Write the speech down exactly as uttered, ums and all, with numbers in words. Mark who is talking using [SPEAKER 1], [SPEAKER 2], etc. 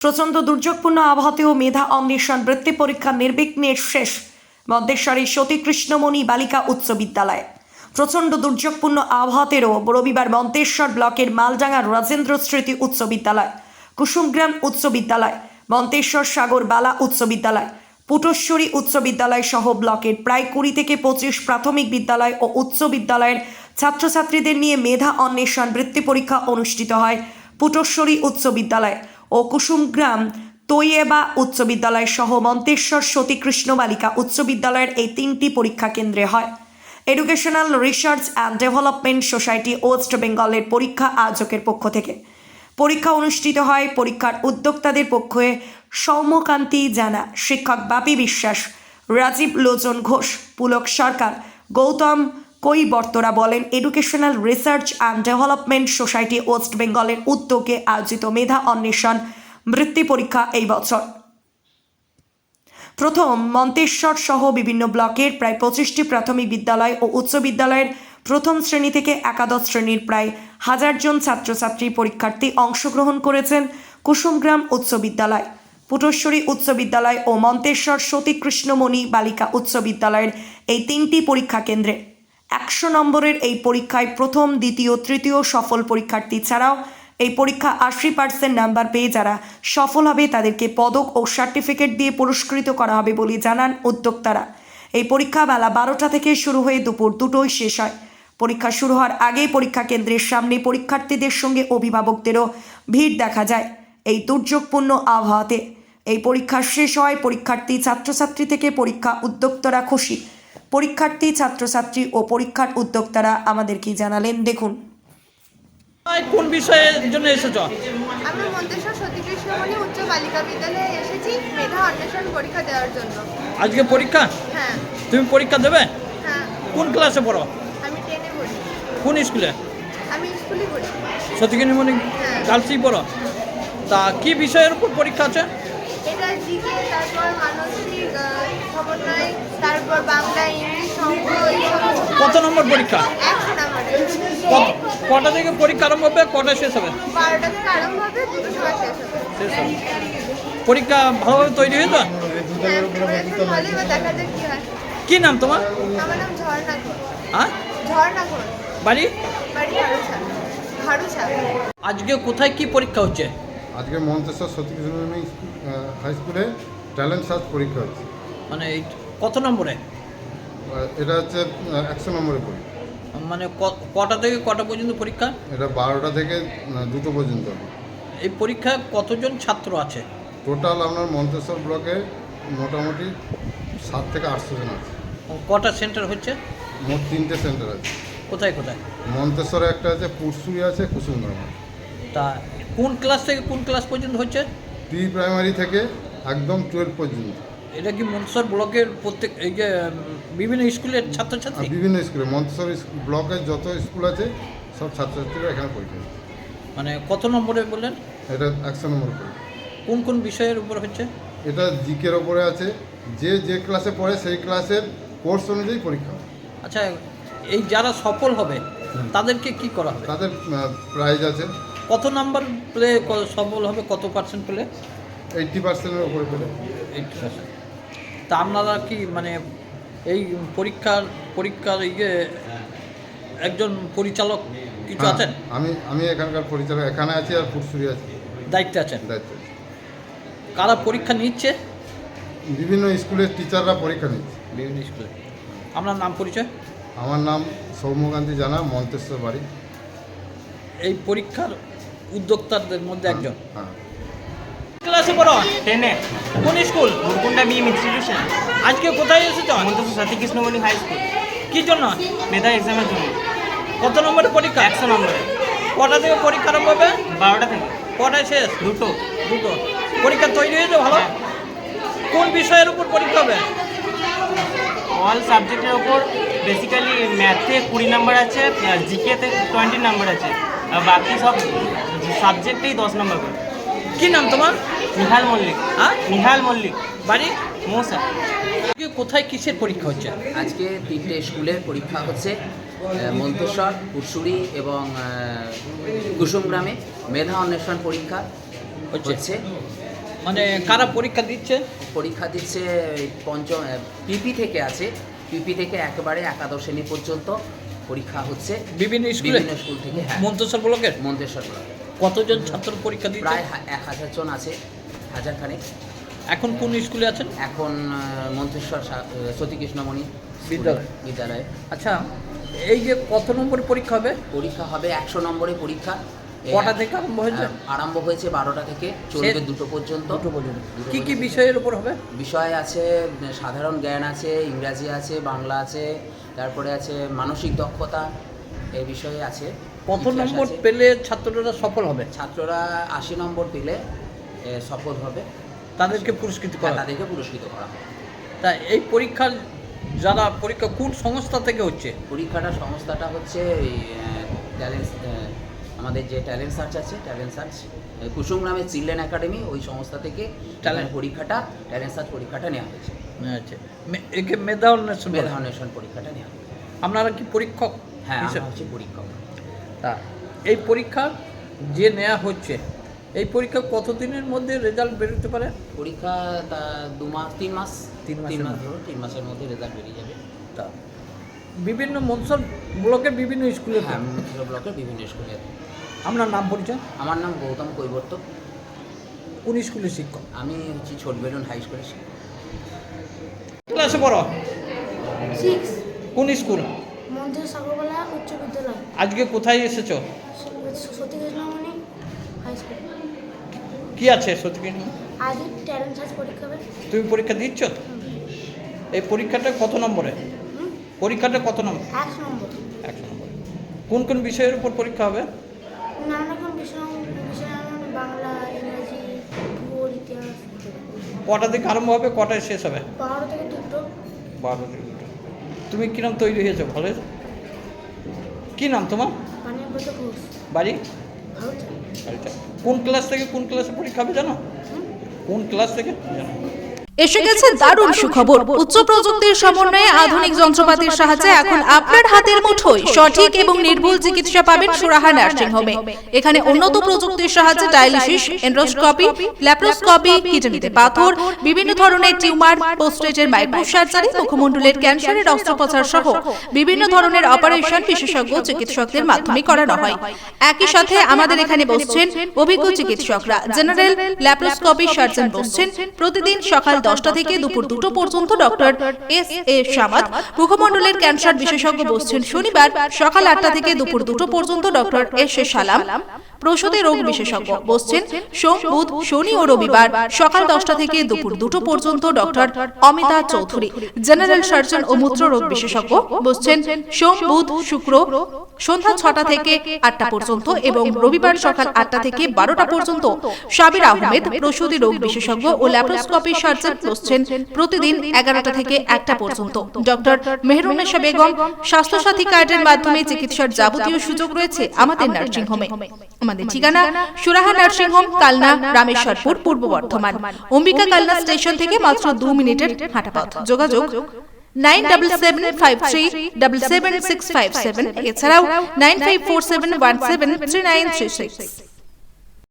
[SPEAKER 1] প্রচণ্ড দুর্যোগপূর্ণ আবহাওয়াতেও মেধা অন্বেষণ বৃত্তি পরীক্ষা নির্বিঘ্নে শেষ মন্তেশ্বরী সতীকৃষ্ণমণি বালিকা উচ্চ বিদ্যালয়। প্রচণ্ড দুর্যোগপূর্ণ আবহাওয়াতেও রবিবার মন্তেশ্বর ব্লকের মালডাঙ্গা রাজেন্দ্র স্মৃতি উচ্চ বিদ্যালয়, কুসুমগ্রাম উচ্চ বিদ্যালয়, মন্তেশ্বর সাগর বালা উচ্চ বিদ্যালয়, পুটশ্বরী উচ্চ বিদ্যালয় সহ ব্লকের প্রায় কুড়ি থেকে পঁচিশ প্রাথমিক বিদ্যালয় ও উচ্চ বিদ্যালয়ের ছাত্রছাত্রীদের নিয়ে মেধা অন্বেষণ বৃত্তি পরীক্ষা অনুষ্ঠিত হয় পুটশ্বরী উচ্চ বিদ্যালয় ও কুসুমগ্রাম তৈয়েবা উচ্চ বিদ্যালয় সহ মন্তেশ্বর সতীকৃষ্ণ বালিকা উচ্চ বিদ্যালয়ের এই তিনটি পরীক্ষা কেন্দ্রে হয়। Educational Research and Development Society West বেঙ্গলের পরীক্ষা আয়োজকের পক্ষ থেকে পরীক্ষা অনুষ্ঠিত হয়। পরীক্ষার উদ্যোক্তাদের পক্ষে সৌম্যকান্তি জানা, শিক্ষক বাপি বিশ্বাস, রাজীব লোচন ঘোষ, পুলক সরকার, গৌতম কৈবর্তরা বলেন, Educational Research and Development Society West বেঙ্গলের উদ্যোগে আয়োজিত মেধা অন্বেষণ বৃত্তি পরীক্ষা এই বছর প্রথম মন্তেশ্বর সহ বিভিন্ন ব্লকের প্রায় পঁচিশটি প্রাথমিক বিদ্যালয় ও উচ্চ বিদ্যালয়ের প্রথম শ্রেণী থেকে একাদশ শ্রেণীর প্রায় হাজার জন ছাত্রছাত্রী পরীক্ষার্থী অংশগ্রহণ করেছেন কুসুমগ্রাম উচ্চ বিদ্যালয়, পুটশ্বরী উচ্চ বিদ্যালয় ও মন্তেশ্বর সতীকৃষ্ণমণি বালিকা উচ্চ বিদ্যালয়ের এই তিনটি পরীক্ষা কেন্দ্রে। একশো নম্বরের এই পরীক্ষায় প্রথম, দ্বিতীয়, তৃতীয় সফল পরীক্ষার্থী ছাড়াও এই পরীক্ষা আশি পার্সেন্ট নাম্বার পেয়ে যারা সফল হবে তাদেরকে পদক ও সার্টিফিকেট দিয়ে পুরস্কৃত করা হবে বলে জানান উদ্যোক্তারা। এই পরীক্ষা বেলা বারোটা থেকে শুরু হয়ে দুপুর দুটোয় শেষ হয়। পরীক্ষা শুরু হওয়ার আগেই পরীক্ষা কেন্দ্রের সামনে পরীক্ষার্থীদের সঙ্গে অভিভাবকদেরও ভিড় দেখা যায়। এই দুর্যোগপূর্ণ আবহাওয়াতে এই পরীক্ষা শেষ হয়। পরীক্ষার্থী ছাত্রছাত্রী থেকে পরীক্ষা উদ্যোক্তারা খুশি। পরীক্ষার্থী ছাত্রছাত্রী ও পরীক্ষার উদ্যোক্তারা আমাদের কি জানালেন দেখুন।
[SPEAKER 2] কোন বিষয়ের জন্য এসেছো?
[SPEAKER 3] আমি মন্তেশ্বর সতীকৃষ্ণমণি উচ্চ বালিকা বিদ্যালয়ে এসেছি মেধা অন্বেষণ পরীক্ষা দেওয়ার জন্য।
[SPEAKER 2] আজকে পরীক্ষা?
[SPEAKER 3] হ্যাঁ।
[SPEAKER 2] তুমি পরীক্ষা দেবে?
[SPEAKER 3] হ্যাঁ।
[SPEAKER 2] কোন ক্লাসে পড়ো?
[SPEAKER 3] আমি টেনে পড়ি।
[SPEAKER 2] কোন স্কুলে?
[SPEAKER 3] আমি স্কুলে পড়ি।
[SPEAKER 2] সতীকৃষ্ণমণি গার্লসই পড়ো? তা কি বিষয়ের উপর পরীক্ষা আছে?
[SPEAKER 3] এটা জিকে, তারপর মানসিক সমন্বয়, তারপর বাংলা, ইংলিশ, অঙ্ক।
[SPEAKER 2] কত নম্বর পরীক্ষা?
[SPEAKER 3] একশো নাম্বারের।
[SPEAKER 2] কত- কটা থেকে পরীক্ষা আরম্ভ হবে, কটা শেষ হবে?
[SPEAKER 3] বারোটা থেকে আরম্ভ হবে, দুটো সময় শেষ হবে।
[SPEAKER 2] শেষ হবে। পরীক্ষা ভালোভাবে তৈরি হয়েছে?
[SPEAKER 3] হ্যাঁ, পড়েছি ভালোই, বা দেখা যাক কি হয়।
[SPEAKER 2] কি নাম তোমার?
[SPEAKER 3] আমার নাম ঝর্ণা ঘোষ।
[SPEAKER 2] হ্যাঁ,
[SPEAKER 3] ঝর্ণা ঘোষ।
[SPEAKER 2] বাড়ি?
[SPEAKER 3] বাড়ি ঘাড়ুছা। ঘাড়ুছা।
[SPEAKER 2] আজকে কোথায় কি পরীক্ষা হচ্ছে?
[SPEAKER 4] আজকে মন্তেশ্বর সতীকৃষ্ণমণি হাই স্কুলে ট্যালেন্ট সার্চ পরীক্ষা হচ্ছে।
[SPEAKER 2] মানে এই কত নম্বরে?
[SPEAKER 4] আহ, এটা হচ্ছে একশো নম্বরের পরীক্ষা।
[SPEAKER 2] মানে ক- কটা থেকে কটা পর্যন্ত পরীক্ষা?
[SPEAKER 4] এটা বারোটা থেকে আহ, দুটো পর্যন্ত হবে।
[SPEAKER 2] এই পরীক্ষায় কতজন ছাত্র আছে?
[SPEAKER 4] টোটাল আপনার মন্তেশ্বর ব্লকে মোটামুটি সাত থেকে আটশো জন আছে।
[SPEAKER 2] কটা সেন্টার হচ্ছে?
[SPEAKER 4] মোট তিনটে সেন্টার আছে।
[SPEAKER 2] কোথায় কোথায়?
[SPEAKER 4] মন্তেশ্বরে একটা আছে, পুরসুরি আছে, কুসুমগ্রাম আছে।
[SPEAKER 2] তা কোন ক্লাস থেকে কোন ক্লাস পর্যন্ত হচ্ছে?
[SPEAKER 4] প্রি প্রাইমারি থেকে একদম টুয়েলভ পর্যন্ত।
[SPEAKER 2] এটা কি মন্তেশ্বর ব্লকের প্রত্যেক এই যে উম, বিভিন্ন স্কুলের
[SPEAKER 4] আর
[SPEAKER 2] ছাত্রছাত্রী?
[SPEAKER 4] বিভিন্ন স্কুলে মন্তেশ্বর স্কুল ব্লকের যত স্কুল আছে সব ছাত্রছাত্রীরা এখানে পরীক্ষা দিচ্ছে।
[SPEAKER 2] মানে কত নম্বরে বললেন?
[SPEAKER 4] এটা একশো নম্বর পরীক্ষা।
[SPEAKER 2] কোন কোন বিষয়ের উপর হচ্ছে?
[SPEAKER 4] এটা জিকের ওপরে আছে, যে যে ক্লাসে পড়ে সেই ক্লাসের কোর্স অনুযায়ী পরীক্ষা হয়।
[SPEAKER 2] আচ্ছা, এই যারা সফল হবে তাদেরকে কি করা হবে?
[SPEAKER 4] তাদের প্রাইজ আছে
[SPEAKER 2] কত নাম্বার পেলে ক- সফল হবে, কত পার্সেন্ট পেলে?
[SPEAKER 4] এইট্টি পার্সেন্টের ওপরে পেলে।
[SPEAKER 2] Eighty percent. তা আপনারা কি মানে এই পরীক্ষার পরীক্ষার ইয়ে একজন পরিচালক কিছু
[SPEAKER 4] হ্যাঁ,
[SPEAKER 2] আছেন?
[SPEAKER 4] আমি আমি এখানকার পরিচালক এখানে আছি, আর পুরসুরি আছে,
[SPEAKER 2] দায়িত্বে আছেন?
[SPEAKER 4] দায়িত্ব আছে।
[SPEAKER 2] কারা পরীক্ষা নিচ্ছে?
[SPEAKER 4] বিভিন্ন স্কুলের টিচাররা পরীক্ষা নিচ্ছে।
[SPEAKER 2] বিভিন্ন স্কুলে। আপনার নাম পরিচয়?
[SPEAKER 4] আমার নাম সৌম্যকান্তি জানা, মন্তেশ্বর বাড়ি।
[SPEAKER 2] এই পরীক্ষার উদ্যোক্তাদের মধ্যে একজন।
[SPEAKER 4] হ্যাঁ।
[SPEAKER 2] ক্লাসে পড়ো?
[SPEAKER 5] টেনে
[SPEAKER 2] কোন স্কুল?
[SPEAKER 5] গুরকুন্ডা বিএম ইনস্টিটিউশন,
[SPEAKER 2] আজকে কোথায় এসেছো?
[SPEAKER 5] Manteswar Satikrishnamoni high school.
[SPEAKER 2] কি জন্য?
[SPEAKER 5] মেধা এক্সামের জন্য
[SPEAKER 2] কত নম্বরের পরীক্ষা?
[SPEAKER 5] একশো নম্বরে।
[SPEAKER 2] কটা থেকে পরীক্ষা আরম্ভ হবে?
[SPEAKER 5] বারোটা থেকে
[SPEAKER 2] কটায় শেষ?
[SPEAKER 5] দুটো।
[SPEAKER 2] দুটো। পরীক্ষা তৈরি হয়েছে ভালো?
[SPEAKER 5] হ্যাঁ।
[SPEAKER 2] কোন বিষয়ের উপর পরীক্ষা হবে?
[SPEAKER 5] অল সাবজেক্টের ওপর বেসিক্যালি ম্যাথে কুড়ি নাম্বার আছে, জিকেতে টোয়েন্টি নাম্বার আছে, আর বাকি সব সাবজেক্টেই দশ নম্বর করে।
[SPEAKER 2] কি নাম তোমার?
[SPEAKER 5] নিহাল মল্লিক।
[SPEAKER 2] হ্যাঁ,
[SPEAKER 5] নিহাল মল্লিক।
[SPEAKER 2] বাড়ি?
[SPEAKER 5] মৌসা।
[SPEAKER 2] আজকে কোথায় কিসের পরীক্ষা হচ্ছে?
[SPEAKER 6] আজকে তিনটে স্কুলের পরীক্ষা হচ্ছে, আহ, মন্তেশ্বর, পুরসুরি এবং আহ, কুসুমগ্রামে মেধা অন্বেষণ পরীক্ষা
[SPEAKER 2] হচ্ছে।
[SPEAKER 6] হচ্ছে।
[SPEAKER 2] মানে কারা পরীক্ষা দিচ্ছে?
[SPEAKER 6] পরীক্ষা দিচ্ছে এই পঞ্চম পিপি থেকে আছে, পিপি থেকে একেবারে একাদশ শ্রেণী পর্যন্ত পরীক্ষা হচ্ছে
[SPEAKER 2] বিভিন্ন স্কুলে,
[SPEAKER 6] বিভিন্ন স্কুল থেকে। হ্যাঁ,
[SPEAKER 2] মন্তেশ্বর ব্লকের
[SPEAKER 6] মন্তেশ্বর ব্লকে
[SPEAKER 2] কতজন ছাত্র পরীক্ষা দিচ্ছে?
[SPEAKER 6] প্রায় হা- এক হাজার জন আছে, হাজার খানেক।
[SPEAKER 2] এখন কোন স্কুলে আছেন?
[SPEAKER 6] এখন আহ, মন্তেশ্বর সা- আহ, সতীকৃষ্ণমণি
[SPEAKER 2] বিদ্যালয়।
[SPEAKER 6] বিদ্যালয়ে
[SPEAKER 2] আচ্ছা, এই যে কত নম্বরের পরীক্ষা হবে?
[SPEAKER 6] পরীক্ষা হবে একশো নম্বরের পরীক্ষা। এ,
[SPEAKER 2] কটা থেকে আরম্ভ হয়েছে?
[SPEAKER 6] আহ, আরম্ভ হয়েছে বারোটা থেকে, চলবে
[SPEAKER 2] সে-
[SPEAKER 6] দুটো পর্যন্ত।
[SPEAKER 2] দুটো পর্যন্ত।
[SPEAKER 6] দুটো
[SPEAKER 2] কি কি
[SPEAKER 6] পর্যন্ত।
[SPEAKER 2] বিষয়ের উপর হবে?
[SPEAKER 6] বিষয় আছে উম, সাধারণ জ্ঞান আছে, ইংরাজি আছে, বাংলা আছে, তারপরে আছে মানসিক দক্ষতা, এই বিষয়ে আছে।
[SPEAKER 2] কত
[SPEAKER 6] ইতিহাস
[SPEAKER 2] নম্বর
[SPEAKER 6] আছে।
[SPEAKER 2] পেলে ছাত্ররা সফল হবে?
[SPEAKER 6] ছাত্ররা আশি নম্বর পেলে এ, সফল হবে,
[SPEAKER 2] তাদেরকে পুরস্কৃত
[SPEAKER 6] আর
[SPEAKER 2] করা হবে।
[SPEAKER 6] তাদেরকে পুরস্কৃত করা হবে।
[SPEAKER 2] তা এই পরীক্ষার যারা পরীক্ষা কোন সংস্থা থেকে হচ্ছে?
[SPEAKER 6] পরীক্ষাটা সংস্থাটা হচ্ছে এই ট্যালেন্ট, আমাদের যে ট্যালেন্ট সার্চ আছে, ট্যালেন্ট সার্চ কুসুম গ্রামের চিলড্রেন একাডেমি, ওই সংস্থা থেকে
[SPEAKER 2] Talent-
[SPEAKER 6] ট্যালেন্ট পরীক্ষাটা, ট্যালেন্ট সার্চ পরীক্ষাটা নেওয়া হয়েছে।
[SPEAKER 2] আচ্ছা, মে- একে মেধা অন্বেষণ বলে।
[SPEAKER 6] মেধা অন্বেষণ পরীক্ষাটা নেওয়া হয়েছে।
[SPEAKER 2] আপনারা কি পরীক্ষক?
[SPEAKER 6] হ্যাঁ,
[SPEAKER 2] হিসেবে?
[SPEAKER 6] আমরা হচ্ছে পরীক্ষক।
[SPEAKER 2] তা এই পরীক্ষা যে নেওয়া হচ্ছে, এই পরীক্ষা কতদিনের মধ্যে রেজাল্ট বেরোতে পারে?
[SPEAKER 6] পরীক্ষা তা দু মাস তিন মাস
[SPEAKER 2] তিন মাসের
[SPEAKER 6] তিন মাস
[SPEAKER 2] মধ্যে।
[SPEAKER 6] ধরো, তিন মাসের মধ্যে রেজাল্ট বেরিয়ে যাবে।
[SPEAKER 2] তা বিভিন্ন মনসর ব্লকের বিভিন্ন স্কুলে।
[SPEAKER 6] হ্যাঁ, মন্তেশ্বর ব্লকের বিভিন্ন স্কুলে।
[SPEAKER 2] আপনার নাম পরিচয়?
[SPEAKER 6] আমার নাম গৌতম কৈবর্ত,
[SPEAKER 2] কোন স্কুলের শিক্ষক?
[SPEAKER 6] আমি হচ্ছি ছোট বেলুন হাই স্কুলের শিক্ষক।
[SPEAKER 2] ক্লাসে পড়ো?
[SPEAKER 7] সিক্স
[SPEAKER 2] কোন স্কুল?
[SPEAKER 7] মন্দির সাগরবালা উচ্চ বিদ্যালয়,
[SPEAKER 2] আজকে কোথায় এসেছো?
[SPEAKER 7] Satikrishnamoni high school.
[SPEAKER 2] কি আছে সত্যি?
[SPEAKER 7] আজই ট্যালেন্ট সার্চ পরীক্ষা হবে।
[SPEAKER 2] তুমি পরীক্ষা দিচ্ছ? এই পরীক্ষাটা কত নম্বরে?
[SPEAKER 7] হুম,
[SPEAKER 2] পরীক্ষাটা কত নম্বর?
[SPEAKER 7] একশো নম্বর।
[SPEAKER 2] একশো নম্বর। কোন কোন বিষয়ের উপর পরীক্ষা হবে?
[SPEAKER 7] নানা রকম বিষয় বিষয় যেমন বাংলা, ইংরাজি, ভূগোল, ইতিহাস।
[SPEAKER 2] কটা থেকে আরম্ভ হবে, কটায় শেষ হবে?
[SPEAKER 7] বারো থেকে দুটো।
[SPEAKER 2] বারো থেকে দুটো। তুমি কিরম তৈরি হয়েছো? ভালো হয়েছো? কী নাম তোমার?
[SPEAKER 7] পানিব্রত ঘোষ,
[SPEAKER 2] বাড়ি?
[SPEAKER 7] ভারত।
[SPEAKER 2] আচ্ছা, কোন ক্লাস থেকে কোন ক্লাসে পরীক্ষা হবে জানো? কোন ক্লাস থেকে জানো?
[SPEAKER 8] এসে গেছে দারুণ সুখবর। উচ্চ প্রযুক্তির সমন্বয়ে আধুনিক যন্ত্রপাতির সাহায্যে এখন আপনার হাতের মুঠোয় সঠিক এবং নির্ভুল চিকিৎসা পাবেন সুরাহা নার্সিং হোমে। এখানে উন্নত প্রযুক্তির সাহায্যে ডায়ালিসিস, এন্ডোস্কোপি, ল্যাপ্রোস্কোপি, কিডনিতে পাথর, বিভিন্ন ধরনের টিউমার, পোস্টেজের মাইক্রো সার্জারি, মুখমণ্ডলের ক্যান্সারের অস্ত্রোপচার সহ বিভিন্ন ধরনের অপারেশন বিশেষজ্ঞ চিকিৎসকদের মাধ্যমে করানো হয়। একই সাথে আমাদের এখানে বসছেন অভিজ্ঞ চিকিৎসকরা। জেনারেল ল্যাপ্রোস্কোপি সার্জন বসছেন প্রতিদিন সকাল দশটা থেকে দুপুর দুটো পর্যন্ত ডক্টর এস এ সামাদ। মুখমণ্ডলের ক্যান্সার বিশেষজ্ঞ বসছেন শনিবার সকাল আটটা থেকে দুপুর দুটো পর্যন্ত ডক্টর এস এ সালাম। প্রসূতি রোগ বিশেষজ্ঞ বসছেন সোম, বুধ, শনি ও রবিবার সকাল দশটা থেকে দুপুর দুটো পর্যন্ত doctor Amita Chowdhury. General surgeon ও মূত্র রোগ বিশেষজ্ঞ বসছেন সোম, বুধ, শুক্র সন্ধ্যা ছটা থেকে আটটা পর্যন্ত এবং রবিবার সকাল আটটা থেকে বারোটা পর্যন্ত। সাবির আহমেদ প্রসূতি রোগ বিশেষজ্ঞ ও ল্যাপ্রোস্কোপি সার্জন বসছেন প্রতিদিন এগারোটা থেকে একটা পর্যন্ত। ডক্টর মেহরুন্নেসা বেগম। স্বাস্থ্যসাথী কার্ডের মাধ্যমে চিকিৎসার যাবতীয় সুযোগ রয়েছে আমাদের নার্সিং হোমে। আমাদের ঠিকানা সুরাহা নার্সিং হোম, কালনা, রামেশ্বরপুর, পূর্ব বর্ধমান। অম্বিকা কালনা স্টেশন থেকে মাত্র দু মিনিটের হাঁটা পথ। যোগাযোগ nine double seven five three double seven six five seven, এছাড়াও nine five four seven one seven three nine three six.